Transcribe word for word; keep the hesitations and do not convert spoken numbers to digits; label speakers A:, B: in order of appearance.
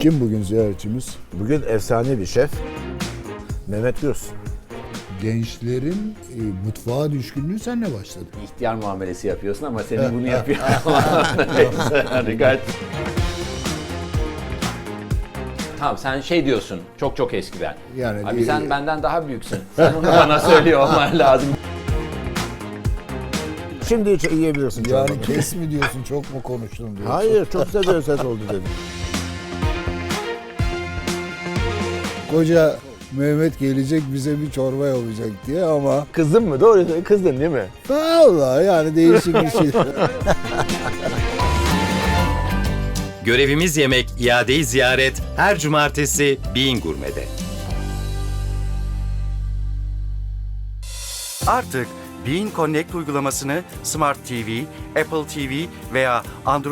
A: Kim bugün ziyaretçimiz?
B: Bugün efsane bir şef Mehmet Gürs.
A: Gençlerin e, mutfağa düşkünlüğü seninle başladı.
C: İhtiyar muamelesi yapıyorsun ama senin bunu yapıyor. Harika. Tamam, sen şey diyorsun, çok çok eskiden.
A: Yani
C: Abi
A: e,
C: sen benden daha büyüksün. Sen onu bana söylüyor olman lazım.
B: Şimdi hiç yiyebilirsin
A: Yani
B: çorbanı.
A: kes mi diyorsun, çok mu konuştun diyorsun.
B: Hayır, çok güzel bir ses oldu dedim.
A: Koca Mehmet gelecek bize bir çorba yapacak diye ama
B: Kızdın mı? Doğru kızdın değil mi?
A: vallahi yani değişik bir şey.
D: Görevimiz yemek, iadeyi ziyaret her cumartesi Bean Gurme'de. Artık Bean Connect uygulamasını Smart T V, Apple T V veya Android